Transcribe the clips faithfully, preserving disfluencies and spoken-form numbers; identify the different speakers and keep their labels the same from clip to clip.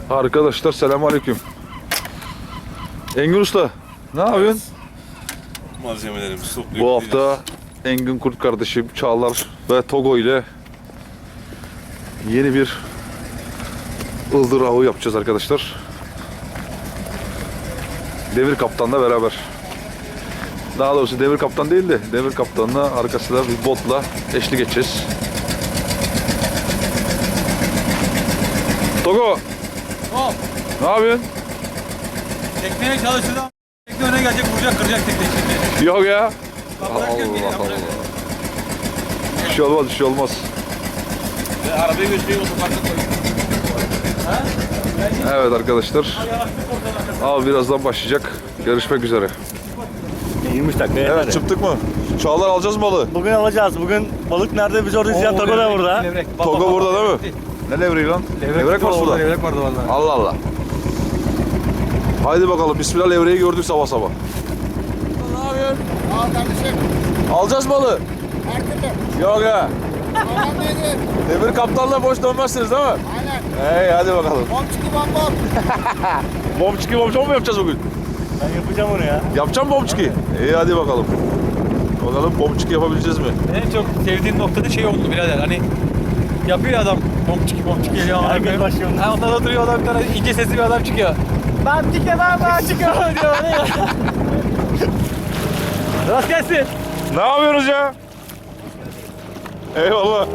Speaker 1: Arkadaşlar selamünaleyküm. Engin Usta, ne yapıyorsun?
Speaker 2: Malzemelerimizi topluyoruz.
Speaker 1: Bu hafta Engin Kurt kardeşim, Çağlar ve Togo ile yeni bir ıldır avı yapacağız arkadaşlar. Devir Kaptan'la beraber. Daha doğrusu Devir Kaptan değil de Devir Kaptan'la arkasında bir botla eşlik edeceğiz. Togo,
Speaker 3: Hop.
Speaker 1: ne yapıyorsun?
Speaker 3: Tekneye çalışırdı ama tekne öne gelecek, vuracak, kıracak tekneyi şimdi.
Speaker 1: Yok ya.
Speaker 3: Bak
Speaker 1: Allah
Speaker 3: bırakıyorum geri,
Speaker 1: Allah.
Speaker 3: bırakıyorum.
Speaker 1: Bir şey olmaz, bir şey olmaz.
Speaker 3: Ve arabayı gösteriyor, otoparka koyuyor. Ha?
Speaker 1: Evet arkadaşlar, av birazdan başlayacak. Görüşmek üzere.
Speaker 4: yirmi dakika yeter.
Speaker 1: Evet, çıktık mı? Çağlar alacağız balığı.
Speaker 4: Bugün alacağız. Bugün balık nerede? Biz orada izleyen Togo da burada.
Speaker 3: Levrek. Bak,
Speaker 1: Togo
Speaker 3: bak, bak,
Speaker 1: burada
Speaker 3: bak.
Speaker 1: değil mi? Ne levreği lan?
Speaker 3: Levrek,
Speaker 1: Levrek var suda.
Speaker 3: Levrek vardı vallahi.
Speaker 1: Allah Allah. Haydi bakalım, bismillah, levreği gördük sabah sabah.
Speaker 3: Ne yapıyorsun?
Speaker 5: Al kardeşim.
Speaker 1: Alacağız balığı.
Speaker 5: Markete.
Speaker 1: Yok ya.
Speaker 5: Babam neydi?
Speaker 1: Devir Kaptan'la boş dönmezsiniz değil mi?
Speaker 5: Aynen.
Speaker 1: Hey, hadi bakalım.
Speaker 5: Bom çıkı bom bom.
Speaker 1: Bomçiki bomçon mu yapacağız bugün?
Speaker 4: Ben yapacağım onu ya.
Speaker 1: Yapacağım bomçiki. İyi, hadi bakalım. Bakalım bomçiki yapabileceğiz mi?
Speaker 3: En çok sevdiğim noktada şey oldu birader, hani yapıyor ya adam, bomçiki bomçiki geliyor.
Speaker 4: Herkes başlıyor.
Speaker 3: Ha, ondan da duruyor adam, bir tane ince sesli bir adam çıkıyor. Bomçiki ben bomçiki diyor. Rast gelsin.
Speaker 1: Ne yapıyoruz ya? Eyvallah.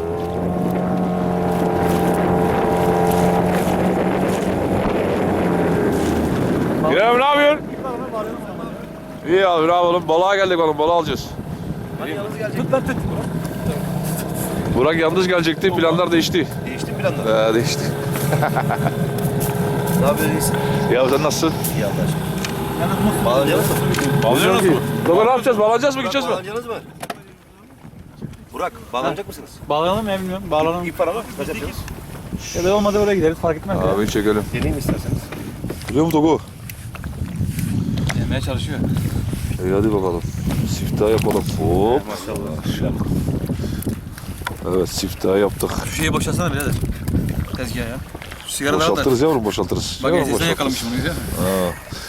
Speaker 1: İrem, ne yapıyorsun? İyi abi, ne yapalım? Balığa geldik oğlum, balığı alacağız.
Speaker 3: Tut lan tut.
Speaker 1: Burak yalnız gelecekti, planlar değişti.
Speaker 2: Değişti mi planlar?
Speaker 1: Ee, değişti.
Speaker 2: Ne yapıyorsun?
Speaker 1: Ya sen nasılsın?
Speaker 2: İyi anlaştık. Bağlanacağız mı?
Speaker 1: Bağlanacağız ki. Baba ne yapacağız? Bağlanacağız mı, gideceğiz mi?
Speaker 2: Bağlanacağız mı? Burak, bağlanacak mısınız?
Speaker 3: Bağlanalım ya, bilmiyorum. Bağlanalım.
Speaker 2: İp var ama kaç yapacağız?
Speaker 3: Ya da olmadı oraya gideriz, fark etmez.
Speaker 1: Abi çekelim.
Speaker 2: Deneyim isterseniz.
Speaker 1: Biliyor musun Togo?
Speaker 3: Yemeye çalışıyor.
Speaker 1: İyi, hadi bakalım. Siftah yapalım. Hop.
Speaker 2: Maşallah.
Speaker 1: Evet, siftah yaptık.
Speaker 3: Şu şeyi boşalsana birader. Tezgah ya. Şu sigara daha da.
Speaker 1: Boşaltırız yavrum, boşaltırız.
Speaker 3: Bak
Speaker 1: Yavrum,
Speaker 3: ensesine
Speaker 1: boşaltırız.
Speaker 3: yakalamışım bunu, güzel mi?
Speaker 1: Ha.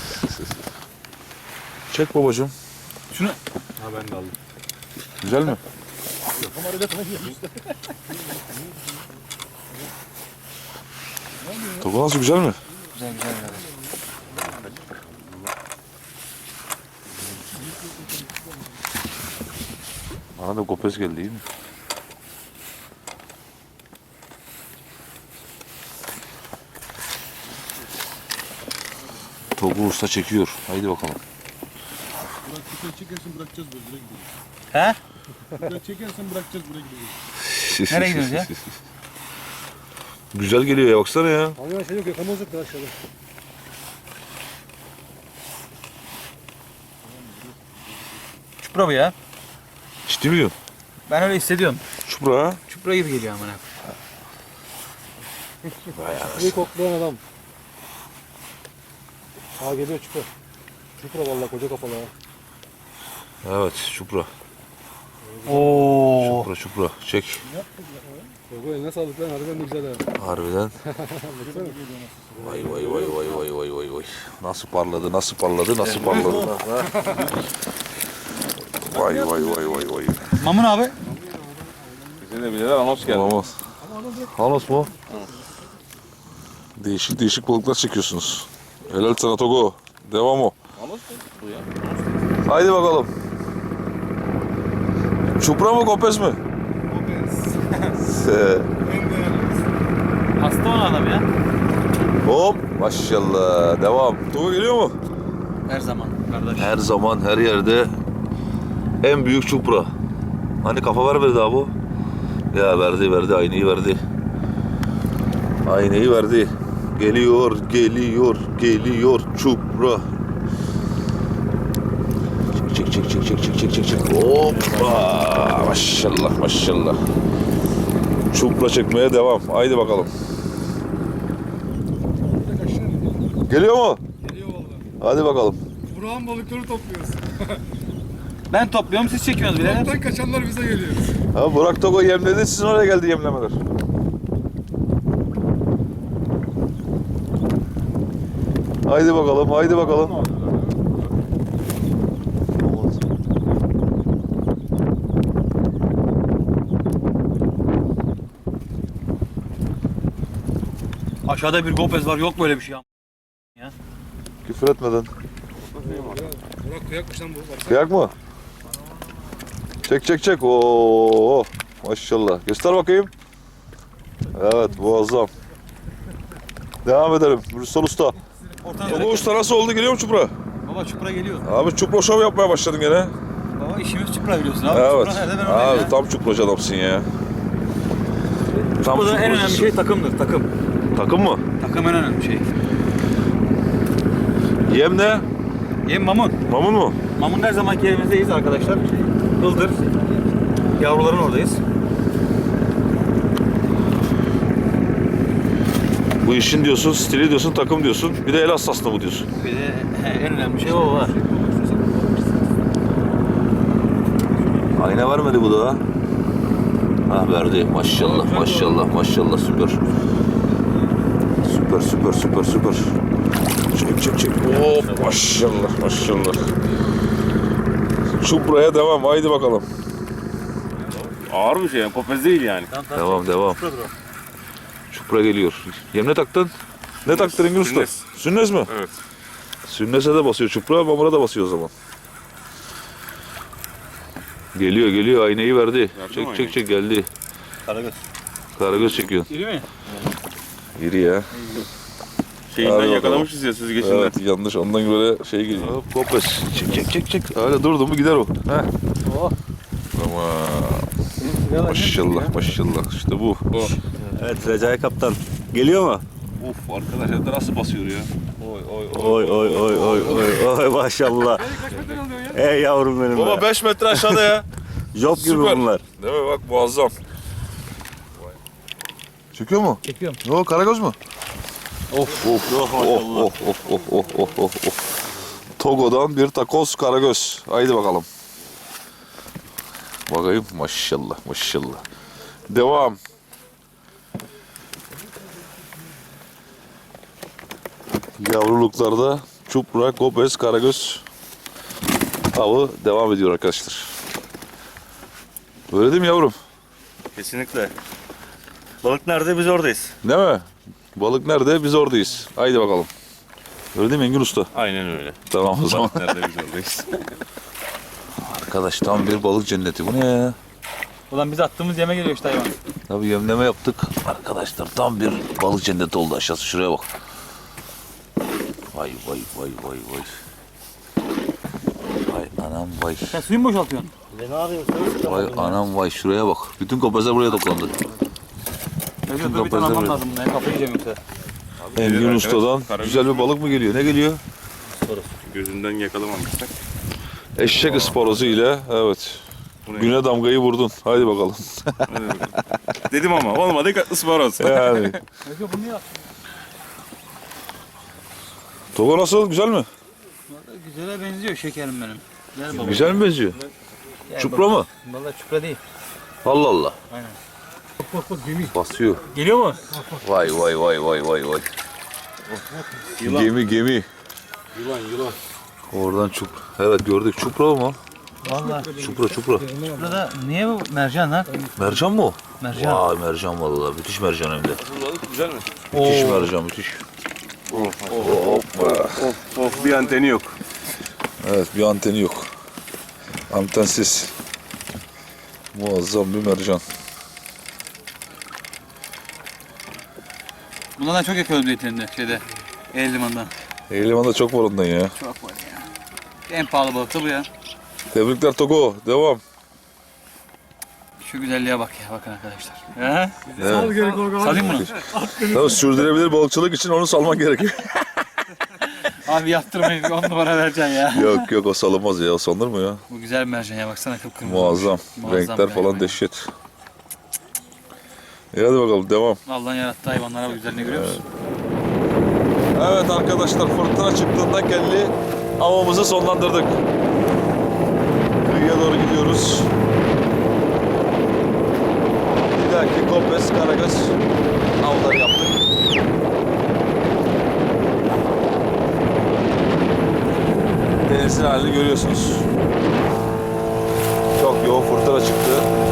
Speaker 1: Çek babacığım.
Speaker 3: Şunu.
Speaker 1: Güzel mi? Topu nasıl, güzel mi?
Speaker 3: Güzel güzel birader.
Speaker 1: Bana da kopez geldi, değil mi? Topu usta çekiyor. Haydi bakalım.
Speaker 5: Burak çekersin bırakacağız böyle direkt gidiyoruz.
Speaker 3: He?
Speaker 5: Burak çekersen bırakacağız buraya gidiyoruz.
Speaker 3: Nereye gidiyoruz ya?
Speaker 1: Güzel geliyor ya, baksana ya.
Speaker 5: Abi şey yok yakamazdık da aşağıda.
Speaker 3: Çupra bu ya.
Speaker 1: Ciddi mi diyorsun?
Speaker 3: Ben öyle hissediyorum.
Speaker 1: Çupra ha?
Speaker 3: Çupra gibi geliyor amına.
Speaker 5: Bir koklayan adam. Aa geliyor çupra. Çupra vallahi koca kafalı ha.
Speaker 1: Evet, çupra.
Speaker 3: Oo.
Speaker 1: Çupra çupra. Çek.
Speaker 5: Togo eline sağlık lan harbiden de güzel ha.
Speaker 1: Harbiden. Vay vay vay vay vay vay vay vay. Nasıl parladı, nasıl parladı, nasıl parladı. Vay vay vay vay vay.
Speaker 3: Mamun abi.
Speaker 1: Bize de bileler anons geldi. Anons. Anons mu? Değişik değişik balıklar çekiyorsunuz. Helal sana Togo. Devam o. Anons mu? Bu ya. Haydi bakalım. Çupra mı, kopez mi?
Speaker 3: Hasta olan adam ya.
Speaker 1: Hop, maşallah. Devam. Togo geliyor mu?
Speaker 3: Her zaman kardeş.
Speaker 1: Her zaman, her yerde en büyük çupra. Hani kafa vermedi daha bu? Ya verdi, verdi. Aynayı verdi. Aynayı verdi. Geliyor, geliyor, geliyor çupra. Çek, çek, çek, çek, çek, çek, çek, çek. Hoppa! Maşallah, maşallah. Çupra çekmeye devam. Haydi bakalım. Geliyor mu?
Speaker 5: Geliyor vallahi.
Speaker 1: Hadi bakalım.
Speaker 5: Burak'ın balıkları topluyoruz.
Speaker 3: Ben topluyorum, siz çekiyorsunuz birader.
Speaker 5: Toptan kaçanlar bize geliyor.
Speaker 1: Ha, Burak Togo yemledi, sizin oraya geldi yemlemeler. Haydi bakalım, haydi bakalım.
Speaker 3: Aşağıda bir gopez var, yok böyle bir şey.
Speaker 1: Küfür etmeden.
Speaker 5: Burak kıyakmış lan bu.
Speaker 1: Kıyak mı? Çek çek çek. Oo, maşallah. Göster bakayım. Evet, muazzam. Devam edelim. Rüstem Usta. Togo Usta nasıl oldu? Geliyor mu çupra?
Speaker 3: Baba çupra geliyor.
Speaker 1: Abi çupra şov yapmaya başladın gene.
Speaker 3: Baba işimiz çupra biliyorsun abi.
Speaker 1: Evet.
Speaker 3: Çupra nerede ben oradayım
Speaker 1: Abi
Speaker 3: ya.
Speaker 1: tam çupracı adamsın ya. Tam
Speaker 3: Burada en önemli
Speaker 1: çupracısın.
Speaker 3: şey takımdır, takım.
Speaker 1: Takım mı?
Speaker 3: Takım en önemli şey.
Speaker 1: Yem ne?
Speaker 3: Yem mamun.
Speaker 1: Mamun mu?
Speaker 3: Mamun her zamanki yerimizdeyiz arkadaşlar. Ildır. Yavruların oradayız.
Speaker 1: Bu işin diyorsun, stili diyorsun, takım diyorsun. Bir de el hassaslığı mı diyorsun?
Speaker 3: Bir de en önemli şey o var.
Speaker 1: Ayna vermedi bu da. Ha verdi. Maşallah, maşallah, maşallah. Süper. Süper, süper, süper, süper. Çek, çek, çek. Hop, maşallah, maşallah. Çupraya devam. Haydi bakalım.
Speaker 4: Ağır bir şey yani. Kopez değil yani.
Speaker 1: Devam, devam. Çupra geliyor. Yem ne taktın? Ne taktın Engin Usta?
Speaker 4: Sünnes.
Speaker 1: Sünnes mi?
Speaker 4: Evet.
Speaker 1: Sünnese de basıyor çupra, mamura da basıyor o zaman. Geliyor, geliyor. Aynayı verdi.
Speaker 4: Verdi
Speaker 1: Çek,
Speaker 4: mi
Speaker 1: çek, çek. Geldi.
Speaker 4: Karagöz.
Speaker 1: Karagöz çekiyor.
Speaker 3: İri mi?
Speaker 1: İri ya.
Speaker 4: Şeyinden
Speaker 1: Hadi
Speaker 4: yakalamışız ya süzgecinden.
Speaker 1: Evet, yanlış. Ondan böyle şey geliyor. Hop, kopes. Çek, çek, çek, çek. Öyle durdun mu gider o. Heh.
Speaker 3: Oh.
Speaker 1: Tamam. Maşallah, maşallah. İşte bu.
Speaker 4: Evet Recai Kaptan. Geliyor mu?
Speaker 1: Of, arkadaş hem de nasıl basıyor ya. Oy, oy,
Speaker 4: Oy oy oy oy oy oy maşallah. Ey yavrum benim
Speaker 1: Baba
Speaker 4: be.
Speaker 1: beş metre aşağıda ya.
Speaker 4: Job gibi
Speaker 1: Süper.
Speaker 4: bunlar.
Speaker 1: Değil mi? Bak muazzam. Çekiyor mu?
Speaker 3: Çekiyorum.
Speaker 1: Ne o, karagöz mü?
Speaker 3: Of.
Speaker 1: Of, of, of, of, of, of, of, of, of. Togo'dan bir takoz karagöz. Haydi bakalım. Bakayım. Maşallah, maşallah. Devam. Yavruluklarda çupra, kopez, karagöz avı devam ediyor arkadaşlar. Öyle değil mi yavrum?
Speaker 4: Kesinlikle. Balık nerede biz oradayız.
Speaker 1: Değil mi? Balık nerede? Biz oradayız. Haydi bakalım. Öyle değil mi Engin Usta?
Speaker 4: Aynen öyle.
Speaker 1: Tamam o zaman.
Speaker 4: Nerede biz oradayız.
Speaker 1: Arkadaş tam bir balık cenneti. Bu ne ya?
Speaker 3: Ulan biz attığımız yeme geliyor işte hayvan.
Speaker 1: Tabii yemleme yaptık. Arkadaşlar tam bir balık cenneti oldu aşağısı. Şuraya bak. Vay vay vay vay vay. Vay anam vay.
Speaker 3: Sen suyu mu boşaltıyorsun?
Speaker 4: Ne arıyorsun?
Speaker 1: Vay anam vay. Şuraya bak. Bütün kopezler buraya toplandı.
Speaker 3: Öyle bir
Speaker 1: kapatın
Speaker 3: tane almam
Speaker 1: böyle.
Speaker 3: lazım. Ne kafayı yiyeceğim yoksa.
Speaker 1: Engin Usta'dan güzel bir balık mı geliyor? Ne geliyor?
Speaker 4: Gözünden yakalamamıştık.
Speaker 1: Eşek ısporozu ile evet. Güne damgayı vurdun. Haydi bakalım.
Speaker 4: Dedim ama olmadı ısparoz.
Speaker 1: Yani.
Speaker 3: Yok bunu yap.
Speaker 1: Togo nasıl? Güzel mi?
Speaker 3: Güzele benziyor şekerim benim. Gel baba.
Speaker 1: Güzel mi benziyor?
Speaker 3: Gel
Speaker 1: Çupra
Speaker 3: baba.
Speaker 1: mı?
Speaker 3: Vallahi çupra değil.
Speaker 1: Allah Allah.
Speaker 3: Aynen.
Speaker 1: Basıyor.
Speaker 3: Geliyor mu?
Speaker 1: Vay vay vay vay vay vay. Gemi gemi.
Speaker 5: Yılan yılan.
Speaker 1: Oradan çup. Evet gördük. Çupra mı?
Speaker 3: Vallahi.
Speaker 1: Çupra çupra.
Speaker 3: Burada niye bu mercan lan?
Speaker 1: Mercan mı o?
Speaker 3: Mercan.
Speaker 1: Vay mercan vallahi. Müthiş mercan hem de.
Speaker 4: Güzel mi?
Speaker 1: Müthiş mercan müthiş. Hoppa.
Speaker 4: Of of bir anteni yok.
Speaker 1: Evet bir anteni yok. Antensiz. Muazzam bir mercan.
Speaker 3: Bunlardan çok yakıyoruz yeterinde şeyde. El limandan.
Speaker 1: Eğlimanda çok var ondan ya.
Speaker 3: Çok var ya. En pahalı balık da bu ya.
Speaker 1: Tebrikler Togo. Devam.
Speaker 3: Şu güzelliğe bak ya bakın arkadaşlar. He?
Speaker 1: Evet.
Speaker 3: Salayım bunu.
Speaker 1: Tabii sürdürülebilir balıkçılık için onu salman gerekiyor.
Speaker 3: Abi yaptırmayın on numara vereceksin ya.
Speaker 1: Yok yok o salınmaz ya. O salınır mı ya?
Speaker 3: Bu güzel bir mercan ya baksana kıpkırmızı.
Speaker 1: Muazzam.
Speaker 3: Muazzam
Speaker 1: Renkler
Speaker 3: bir
Speaker 1: falan
Speaker 3: hayvan.
Speaker 1: dehşet. İyi hadi bakalım devam.
Speaker 3: Allah'ın yarattığı hayvanlara bu güzelliğini görüyor musun?
Speaker 1: Evet arkadaşlar fırtına çıktığında kelli avımızı sonlandırdık. Kıyıya doğru gidiyoruz. Bir dahaki kopes, karagöz avları yaptık. denizin halini görüyorsunuz. Çok yoğun fırtına çıktı.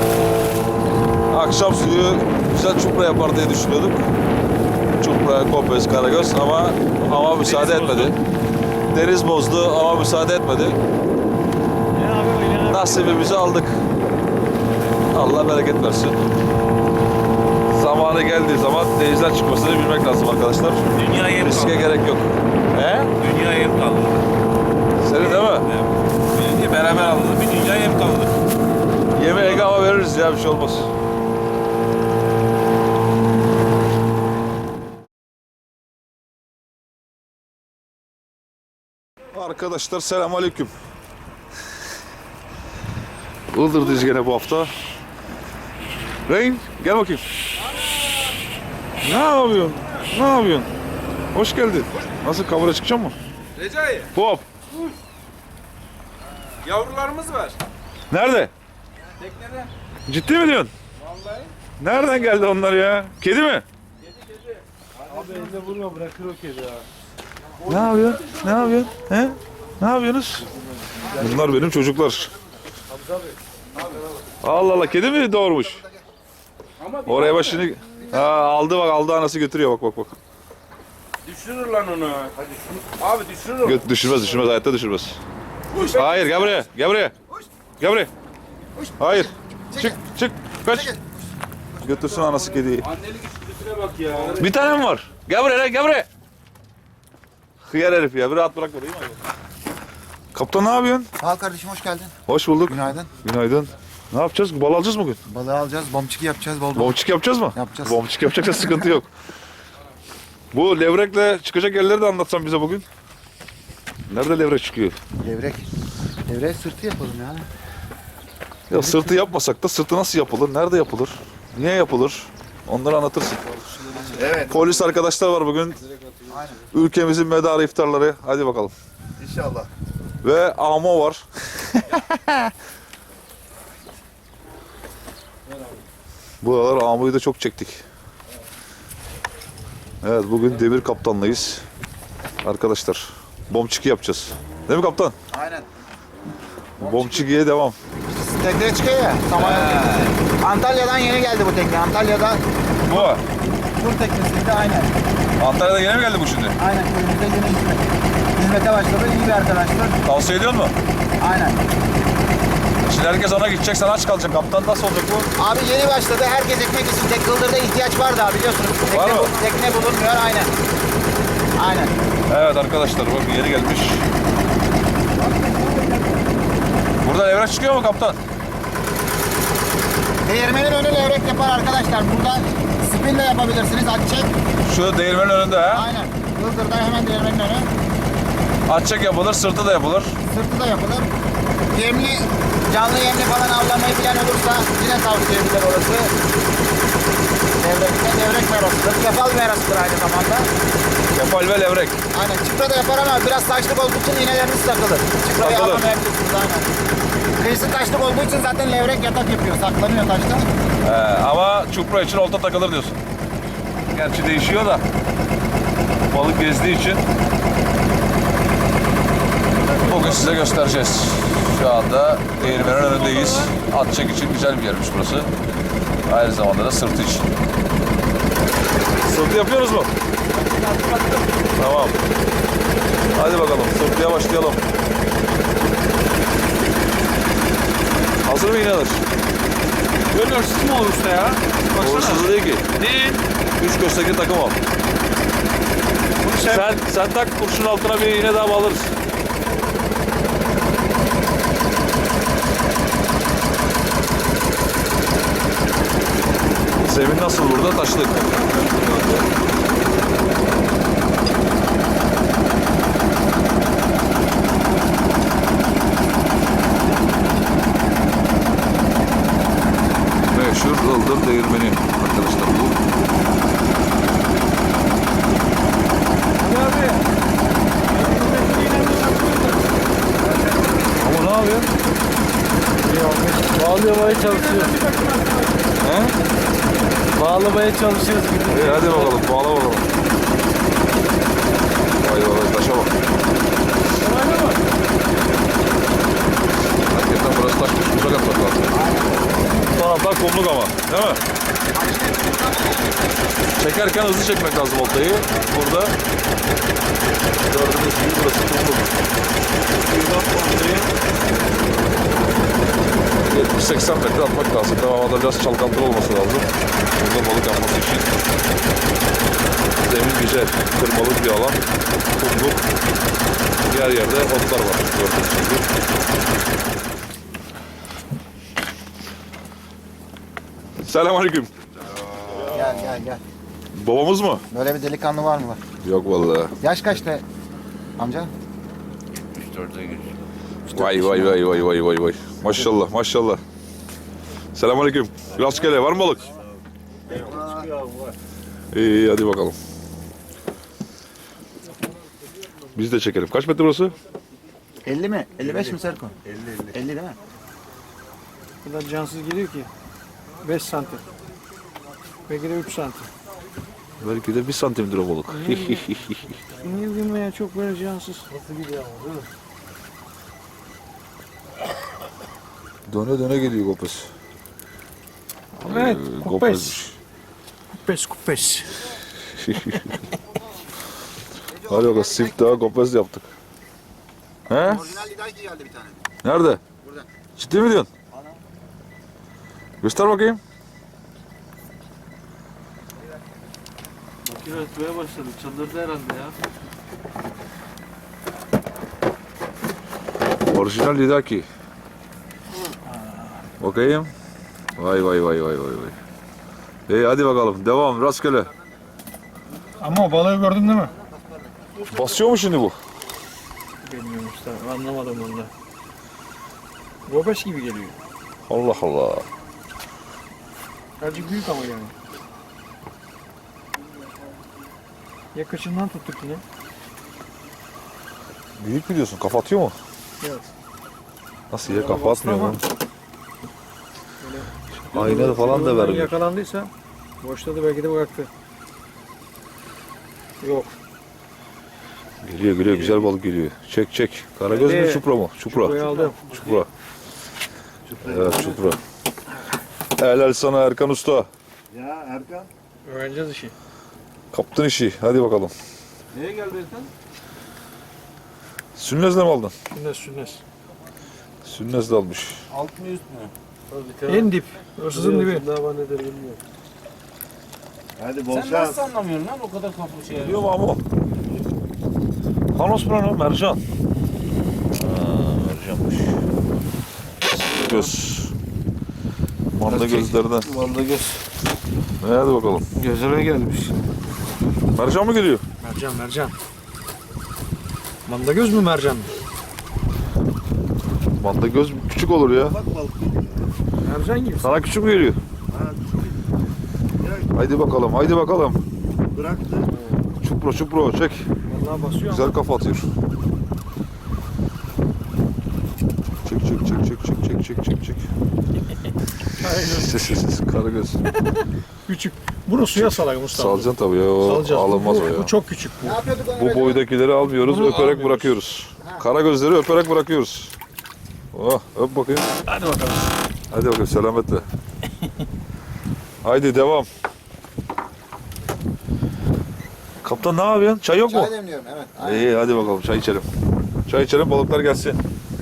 Speaker 1: Akşam suyu güzel çupra yapar diye düşünüyorduk. Çupra, Kopez, Karagöz ama hava müsaade etmedi. Deniz bozdu ama müsaade etmedi.
Speaker 3: Ne abi öyle?
Speaker 1: Nasibimizi aldık. Allah bereket versin. Zamanı geldiği zaman denizden çıkmasını bilmek lazım arkadaşlar.
Speaker 2: Dünya yem
Speaker 1: Riske
Speaker 2: kaldı.
Speaker 1: gerek yok. He?
Speaker 2: Dünya yem kaldı.
Speaker 1: Senin değil mi?
Speaker 2: Evet. Beraber aldı. Bir dünya yem kaldı.
Speaker 1: Yeme Ege hava veririz ya, bir şey olmaz. Arkadaşlar selamünaleyküm. Ildır'dayız gene bu hafta. Reyn gel bakayım. Ne yapıyorsun? Ne yapıyorsun? Hoş geldin. Nasıl, kamera çıkacak mı?
Speaker 6: Recai,
Speaker 1: Hop.
Speaker 6: yavrularımız var.
Speaker 1: Nerede?
Speaker 6: Teknede.
Speaker 1: Ciddi mi diyorsun?
Speaker 6: Vallahi.
Speaker 1: Nereden geldi onlar ya? Kedi mi?
Speaker 6: Abi elinde vurma, bırakır o kedi ya.
Speaker 1: Ne yapıyorsun? Ne yapıyorsun? He? Ne yapıyorsunuz? Bunlar benim çocuklar. Allah Allah, kedi mi doğurmuş? Oraya bak şimdi. Ha, aldı bak, aldı, anası götürüyor, bak bak bak.
Speaker 6: Düşürür lan onu. Hadi şunu. Abi düşürür onu.
Speaker 1: Gö- düşürmez, düşürmez, hayatta düşürmez. Hayır, gel buraya, gel buraya. Gel buraya. Hayır. Çık, çık, kaç. Götürsün anası kediyi.
Speaker 6: Annelik içgüdüsüne bak ya.
Speaker 1: Bir tane mi var? Gel buraya, gel buraya. Hıyar herif ya, bir rahat bırak burayı. Kaptan ne yapıyorsun?
Speaker 7: Sağ ol kardeşim, hoş geldin.
Speaker 1: Hoş bulduk.
Speaker 7: Günaydın.
Speaker 1: Günaydın. Ne yapacağız? Bal alacağız mı bugün?
Speaker 7: Balığı alacağız, bombçiki yapacağız bol bol.
Speaker 1: Bombçik yapacağız mı?
Speaker 7: Yapacağız.
Speaker 1: Bombçik yapacaksa sıkıntı yok. Bu levrekle çıkacak yerleri de anlatsan bize bugün. Nerede levrek çıkıyor?
Speaker 7: Levrek. Levrek sırtı yapalım yani.
Speaker 1: Ya sırtı yapmasak da sırtı nasıl yapılır? Nerede yapılır? Niye yapılır? Onları anlatırsın.
Speaker 7: Evet.
Speaker 1: Polis arkadaşlar var bugün. Ülkemizin medarı iftarları. Hadi bakalım.
Speaker 7: İnşallah.
Speaker 1: Ve Amo var. Bu aralar Amo'yu da çok çektik. Evet, bugün demir kaptanlayız. Arkadaşlar, bombçiki yapacağız. Değil mi kaptan?
Speaker 7: Aynen.
Speaker 1: Bombçikiye devam.
Speaker 7: Tekneye çıkıyor ya. Samanyolu teknesi. Antalya'dan yeni geldi bu tekne. Antalya'da
Speaker 1: Bu.
Speaker 7: tur teknesiydi, aynen.
Speaker 1: Antalya'da yeni mi geldi bu şimdi?
Speaker 7: Aynen, köyümüzde yeni hizmet. Hizmete başladı, iyi bir arkadaştır.
Speaker 1: Tavsiye ediyor mu?
Speaker 7: Aynen.
Speaker 1: Şimdi herkes ona gidecek, sen aç kalacaksın. Kaptan nasıl olacak bu?
Speaker 7: Abi yeni başladı, herkes ekmek için. Tek Kıldır'da ihtiyaç var daha, biliyorsunuz. Tekne,
Speaker 1: Var mı?
Speaker 7: bu- tekne bulunmuyor, aynen. Aynen.
Speaker 1: Evet arkadaşlar, bak yeri gelmiş. Burada levrek çıkıyor mu kaptan?
Speaker 7: Değirmenin önü levrek yapar arkadaşlar. Burada spin de yapabilirsiniz, at çek.
Speaker 1: Şu değirmenin önünde ha.
Speaker 7: Aynen. Kıldır'da hemen değirmenin önü.
Speaker 1: Atçek yapılır, sırtı da yapılır.
Speaker 7: Sırtı da yapılır. Yemli, canlı yemli falan avlamayı bilen olursa yine tavsiye edilir orası. Devrekte devrek merasıdır. Kefal merasıdır aynı zamanda.
Speaker 1: Kefal ve levrek.
Speaker 7: Aynen. Çıpra da yapar ama biraz taşlık olduğu için iğneleriniz takılır. Çıprayı
Speaker 1: Takılır.
Speaker 7: avlamayabilirsiniz, aynen. Kıyısı taşlık olduğu için zaten levrek yatak yapıyor. Saklanıyor taşta.
Speaker 1: Ee, ama çupra için olta takılır diyorsun. Gerçi değişiyor da. Balık gezdiği için. Bugün size göstereceğiz. Şu anda değirmenin önündeyiz. Atçek için güzel bir yermiş burası. Aynı zamanda da sırtı için. Sırtı yapıyoruz mu? Tamam. Hadi bakalım, sırtıya başlayalım. Hazır mı iğneler?
Speaker 3: Böyle hırsız mı olur usta ya? Baksana.
Speaker 1: Hırsızı değil ki.
Speaker 3: Değil.
Speaker 1: Üç gösterdeki takım al. Sen, sen tak, kurşun altına bir iğne daha bağlarız. Zemin nasıl burada? Taşlık. Meşhur Ildır Değirmeni arkadaşlar bu. Ama ne yapıyor?
Speaker 3: Bağlamaya çalışıyoruz.
Speaker 1: He?
Speaker 3: Bağlamaya çalışıyoruz.
Speaker 1: İyi, hadi bakalım, bağla bakalım. Vay vay, taşa bak. Zaten burası taşmış, kumluk atmak lazım. Bu taraflar kumluk ama, değil mi? Çekerken hızlı çekmek lazım oltayı. Burada gördüğünüz gibi burası kumluk. yetmiş seksen metre atmak lazım. Devamında biraz çalkantılı olması lazım. Burada balık yapması için. Zemin güzel, kırmalık bir alan. Kumluk. Diğer yerde otlar var. Gördüğünüz gibi. Selamünaleyküm.
Speaker 7: Gel gel gel.
Speaker 1: Babamız mı?
Speaker 7: Böyle bir delikanlı var mı?
Speaker 1: Yok vallahi.
Speaker 7: Yaş kaçtı amca?
Speaker 1: Vay vay vay vay vay vay vay. Maşallah maşallah. Selamünaleyküm. Rastgele var mı balık? İyi hadi bakalım. Biz de çekelim. Kaç metre burası?
Speaker 7: elli mi? elli beş mi Serko? elli elli. elli değil mi?
Speaker 8: Bu kadar cansız geliyor ki. beş santim. Belki de üç santim.
Speaker 1: Belki de bir santimdir o balık.
Speaker 8: Niye bilmiyorum ya, çok böyle cansız. Nasıl gidiyor ama değil mi?
Speaker 1: Döne döne geliyor Gopes.
Speaker 8: Evet,
Speaker 1: Ee,
Speaker 8: kupes.
Speaker 1: Gopes'miş.
Speaker 8: Kupes kupes.
Speaker 1: Hadi bakalım sif daha Gopes yaptık. He?
Speaker 7: Orijinal lidaki geldi bir tane.
Speaker 1: Nerede?
Speaker 7: Burada.
Speaker 1: Ciddi mi diyorsun? Göster bakayım.
Speaker 8: Makine ötmeye başladı. Çıldırdı herhalde ya.
Speaker 1: Orijinal lidaki. Bakayım. Vay vay vay vay vay vay. İyi hadi bakalım devam rastgele.
Speaker 8: Ama o balığı gördün değil mi?
Speaker 1: Basıyor mu şimdi bu?
Speaker 8: Bilmiyorum işte. Anlamadım onu da. Gobeş gibi geliyor.
Speaker 1: Allah Allah.
Speaker 8: Azıcık büyük ama yani. Yakışından tuttuk yine.
Speaker 1: Büyük mü diyorsun? Kafa atıyor mu?
Speaker 8: Evet.
Speaker 1: Nasıl ya kafa atmıyor
Speaker 8: Ama
Speaker 1: mu? Ayna falan da
Speaker 8: Bundan
Speaker 1: vermiyor.
Speaker 8: Yakalandıysa boşladı, belki de bıraktı. Yok.
Speaker 1: Geliyor geliyor güzel balık geliyor. Çek çek. Karagöz mü
Speaker 8: Hadi.
Speaker 1: çupra mı? Çupra.
Speaker 8: Burayı aldım.
Speaker 1: Çupra. Evet çupra. Helal sana Erkan Usta.
Speaker 5: Ya Erkan.
Speaker 8: Öğreneceğiz işi.
Speaker 1: Kaptın işi. Hadi bakalım.
Speaker 5: Neye geldi Erkan?
Speaker 1: Sünnezle mi aldın?
Speaker 8: Sünnes sünnes.
Speaker 1: Sünnezle almış.
Speaker 5: Alt mı üst mü?
Speaker 8: En dip. Hırsızın dibi.
Speaker 5: Hadi bol
Speaker 6: Sen
Speaker 5: şans.
Speaker 6: nasıl anlamıyorsun lan o kadar kaplı şey?
Speaker 1: Biliyor mu ama? Panos mu lan o? Mercan. Aa, mercanmış. Göz. Manda gözlerden.
Speaker 5: Manda göz.
Speaker 1: Ne hadi bakalım.
Speaker 5: Gözüme gelmiş.
Speaker 1: Mercan mı geliyor?
Speaker 8: Mercan mercan. Manda göz mü mercan mı?
Speaker 1: Manda göz küçük olur ya.
Speaker 5: Bak balık.
Speaker 8: Mercan gibi.
Speaker 1: Sana küçük mü geliyor? Haydi bakalım, haydi bakalım.
Speaker 5: Bıraktı.
Speaker 1: Çupro çupro çek.
Speaker 8: Vallahi basıyor
Speaker 1: Güzel kafa atıyor. Çek çek çek çek çek çek çek çek çek. Karagöz.
Speaker 8: ama küçük. Bunu suya salak Mustafa.
Speaker 1: Salacaksın tabii ya. O
Speaker 8: Salacağız.
Speaker 1: alınmaz
Speaker 8: bu,
Speaker 1: o ya.
Speaker 8: Bu çok küçük bu.
Speaker 7: Ne yapıyorduk onu
Speaker 1: Bu
Speaker 7: böyle?
Speaker 1: boydakileri almıyoruz,
Speaker 8: Bunu
Speaker 1: öperek
Speaker 8: almıyoruz.
Speaker 1: bırakıyoruz. Karagözleri öperek bırakıyoruz. Oh, öp bakayım.
Speaker 8: Hadi bakalım.
Speaker 1: Hadi bakayım selametle. Haydi devam. Kaptan ne yapıyorsun? Çay yok mu?
Speaker 7: Çay demliyorum evet. Aynen.
Speaker 1: İyi hadi bakalım çay içelim. Çay içelim balıklar gelsin.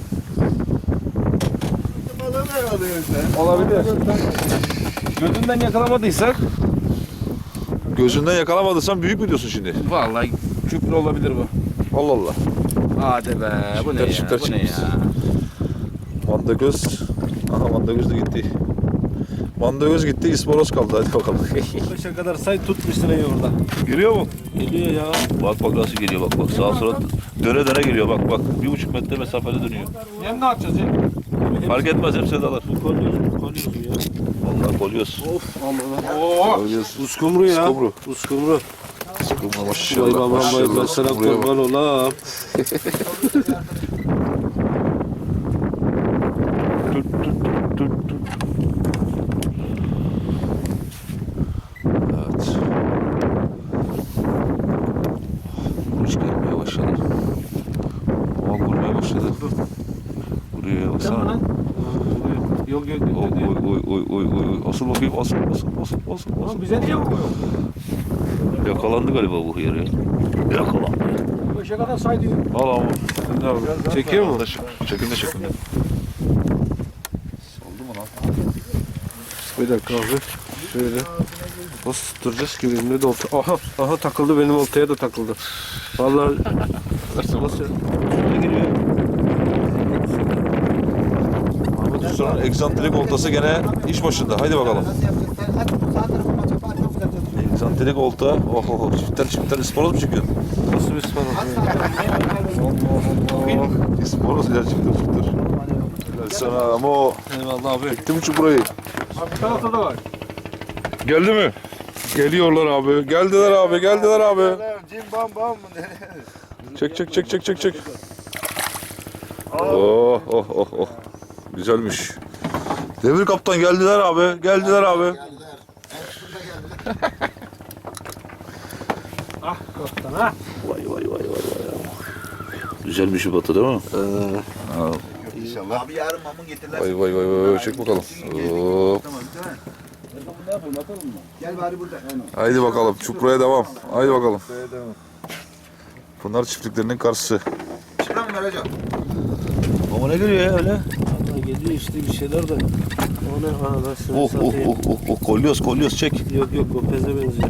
Speaker 5: Balığı ne alıyorsun sen?
Speaker 6: Olabilir. Gözünden yakalamadıysak
Speaker 1: Gözünden yakalamadıysan büyük mü diyorsun şimdi?
Speaker 6: vallahi küplü olabilir bu.
Speaker 1: Allah Allah.
Speaker 6: Hadi be bu ne ya?
Speaker 1: Çiftler
Speaker 6: Bu ne
Speaker 1: çıkmış.
Speaker 6: ya?
Speaker 1: Manda göz. Aha manda göz de gitti. Manda göz gitti, ispanoz kaldı. Hadi bakalım.
Speaker 5: Beşe kadar say tut bir sırayı orada.
Speaker 1: Geliyor mu?
Speaker 5: Geliyor ya.
Speaker 1: Bak bak nasıl geliyor bak bak. Sağa sola döne döne geliyor bak bak. Bir buçuk metre mesafede dönüyor.
Speaker 8: Hem ne yapacağız ya?
Speaker 1: Fark etmez hepsine dalar.
Speaker 5: Kolyoz, kolyoz ya.
Speaker 1: Vallahi kolyoz.
Speaker 5: Of Allah.
Speaker 8: Oo.
Speaker 1: Kolyoz.
Speaker 5: Uskumru ya.
Speaker 1: Uskumru.
Speaker 5: Uskumru.
Speaker 1: Sıkılma
Speaker 5: Vay
Speaker 1: maşallah.
Speaker 5: babam vay ben
Speaker 1: Maşallah.
Speaker 5: sana
Speaker 1: Buraya bak.
Speaker 5: kurban olam.
Speaker 1: Tut tut tut tut tut. Evet. Kuruş gelmeye başladı. Hava vurmaya başladı. Buraya
Speaker 8: Tamam
Speaker 1: baksana.
Speaker 8: lan.
Speaker 6: Yok yok
Speaker 1: Oy oy oy oy oy oy. Asıl bakayım, asıl asıl asıl asıl. asıl.
Speaker 8: Oğlum bize niye vuruyor?
Speaker 1: Yakalandı galiba bu hıyar ya. Yakalandı.
Speaker 8: Beşe kadar say diyor.
Speaker 1: Al ama.
Speaker 6: Çekiyor mu?
Speaker 1: Çekinde çekinde.
Speaker 6: Bir dakika abi. Şöyle. Nasıl tutturacağız ki benim de olta? Aha, aha takıldı benim oltaya da takıldı. Vallahi nasıl?
Speaker 1: Ahmet Usta'nın egzantrik oltası gene iş başında. Haydi bakalım.
Speaker 7: Nasıl yapacağız? Sen hadi sağ tarafıma çapa çok güzel çalışıyor.
Speaker 1: Egzantrik olta. Oh oh oh. Çifter çifter ispanoz mu çekiyorsun?
Speaker 6: Nasıl bir spor?
Speaker 1: İspanoz ya çifter çifter. Helal sana ama o.
Speaker 6: Eyvallah abi.
Speaker 1: Çekti mi çukurayı?
Speaker 8: Abi bir tarafta da var.
Speaker 1: Geldi mi? Geliyorlar abi. Geldiler abi. Geldiler abi.
Speaker 5: Cim bam bam.
Speaker 1: Çek çek çek çek çek çek. Oh oh oh oh. Güzelmiş. Demir kaptan geldiler abi. Geldiler abi.
Speaker 8: Ah kaptan ha.
Speaker 1: Vay vay vay vay vay. Güzel bir şey batı değil mi?
Speaker 5: İnşallah.
Speaker 7: Abi yarın mamun getirler.
Speaker 1: Vay vay vay vay. Çek bakalım. Hop.
Speaker 7: Gel bari burada.
Speaker 1: Haydi bakalım. Çukuraya devam. Haydi bakalım. Pınar çiftliklerinin karşısı.
Speaker 7: Çıkar mı hocam?
Speaker 1: Ama ne geliyor ya öyle?
Speaker 6: Geliyor işte bir şeyler de. O ne arada şunu
Speaker 1: Oh oh
Speaker 6: satayım.
Speaker 1: oh oh oh. Kolyoz kolyoz çek.
Speaker 6: Yok yok o peze benziyor.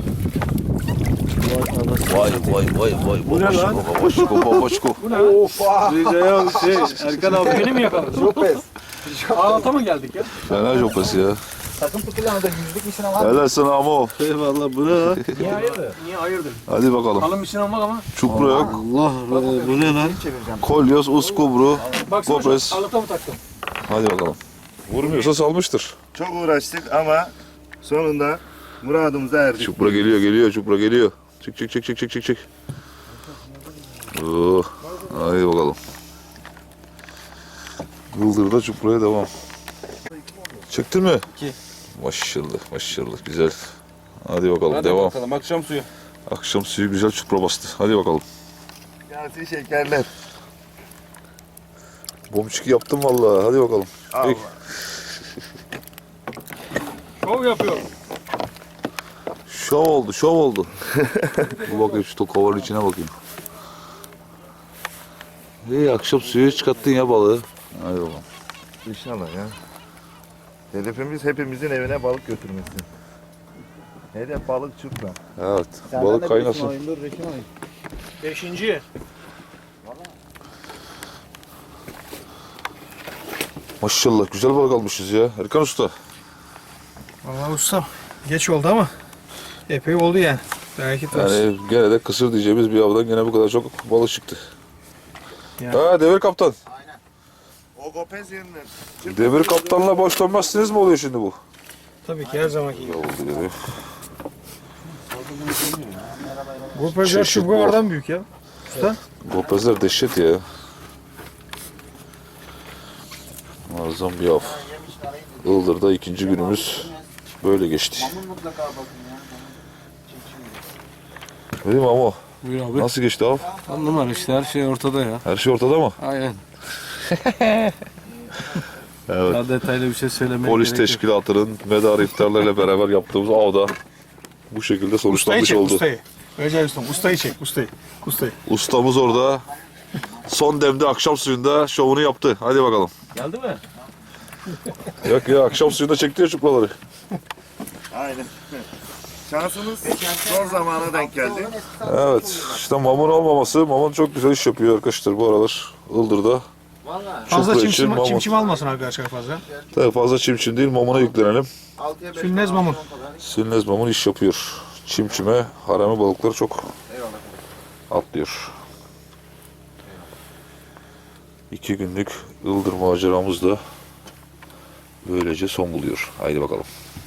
Speaker 6: Vay anasını
Speaker 1: Vay
Speaker 6: satayım.
Speaker 1: vay vay vay.
Speaker 6: Bu ne lan?
Speaker 1: Babaşko babaşko.
Speaker 8: Bu ne?
Speaker 6: Ricaya şey Erkan abi.
Speaker 8: Beni mi yakaladın? Çok pes. Ağlata mı geldik ya?
Speaker 1: Fena jopası ya.
Speaker 7: Takım tutulan da yüzlük bir sınav var.
Speaker 1: Helal sana ama o.
Speaker 6: Eyvallah bu ne lan?
Speaker 8: Niye hayırdır? Niye hayırdır?
Speaker 1: Hadi bakalım.
Speaker 8: Kalın bir sinan bak ama.
Speaker 1: Çupra yok.
Speaker 6: Allah bu ne lan?
Speaker 7: Çevireceğim.
Speaker 1: Kolyoz, uskubru,
Speaker 8: Baksana
Speaker 1: gopes.
Speaker 8: şu ağlata mı taktın?
Speaker 1: Hadi bakalım. Vurmuyorsa salmıştır.
Speaker 5: Çok uğraştık ama sonunda muradımıza erdik.
Speaker 1: Çupra geliyor, geliyor, çupra geliyor. Çık çık çık çık çık çık çık. Oh. Hadi bakalım. Yıldırda çupraya devam. Çektin mi?
Speaker 6: İki.
Speaker 1: Maşallah maşallah güzel. Hadi bakalım devam.
Speaker 6: bakalım akşam suyu.
Speaker 1: Akşam suyu güzel çupra bastı. Hadi bakalım.
Speaker 5: Gelsin şekerler.
Speaker 1: Bomçiki yaptım vallahi. Hadi bakalım.
Speaker 5: Allah.
Speaker 8: Şov yapıyor.
Speaker 1: Şov oldu, şov oldu. Bu bakayım şu kovanın içine bakayım. İyi akşam suyu çıkarttın ya balığı. Hadi bakalım.
Speaker 5: İnşallah ya. Hedefimiz hepimizin evine balık götürmesi. Hedef balık çupra.
Speaker 1: Evet, balık kaynasın.
Speaker 8: Beşinci.
Speaker 1: Maşallah güzel balık almışız ya. Erkan Usta.
Speaker 8: Vallahi ustam geç oldu ama epey oldu yani. Belki olsun.
Speaker 1: Yani gene de kısır diyeceğimiz bir avdan gene bu kadar çok balık çıktı.
Speaker 8: Yani.
Speaker 1: Ha Devir Kaptan.
Speaker 5: O gopez yerinden.
Speaker 1: Devir Kaptan'la boş dönmezsiniz mi oluyor şimdi bu?
Speaker 8: Tabii ki her zamanki gibi.
Speaker 1: Ya oldu gibi.
Speaker 8: Bu pazar
Speaker 1: Çeşit
Speaker 8: şu
Speaker 1: bu.
Speaker 8: kadardan büyük ya.
Speaker 1: Gopezler dehşet ya. Muazzam bir av. Ildır'da ikinci günümüz böyle geçti.
Speaker 7: Mamun mutlaka bakın ya.
Speaker 1: Değil mi ama?
Speaker 6: Buyur abi.
Speaker 1: Nasıl geçti av?
Speaker 6: On numara işte her şey ortada ya.
Speaker 1: Her şey ortada mı?
Speaker 6: Aynen.
Speaker 1: Evet.
Speaker 6: Daha detaylı bir şey söylemeye
Speaker 1: Polis
Speaker 6: gerek yok.
Speaker 1: teşkilatının medarı iftarlarıyla beraber yaptığımız avda bu şekilde
Speaker 8: Ustayı
Speaker 1: sonuçlanmış
Speaker 8: çek
Speaker 1: oldu.
Speaker 8: ustayı. Recep ustam ustayı çek ustayı. Ustayı.
Speaker 1: Ustamız orada son demde akşam suyunda şovunu yaptı. Hadi bakalım.
Speaker 6: Geldi mi?
Speaker 1: Yok ya akşam suyunda çekti ya çupraları.
Speaker 5: Aynen. Şansımız son zamana denk geldi.
Speaker 1: Evet işte mamun olmaması. Mamun çok güzel iş yapıyor arkadaşlar bu aralar. Ildır'da.
Speaker 8: Fazla
Speaker 1: Çupra için
Speaker 8: çimçim,
Speaker 1: mamut.
Speaker 8: çimçim almasın arkadaşlar fazla.
Speaker 1: Tabii fazla çimçim değil mamuna yüklenelim.
Speaker 7: altıya beş.
Speaker 8: Sülnez mamun.
Speaker 1: Silnez mamun iş yapıyor. Çimçime harami balıkları çok atlıyor. İki günlük Ildır maceramız da böylece son buluyor. Haydi bakalım.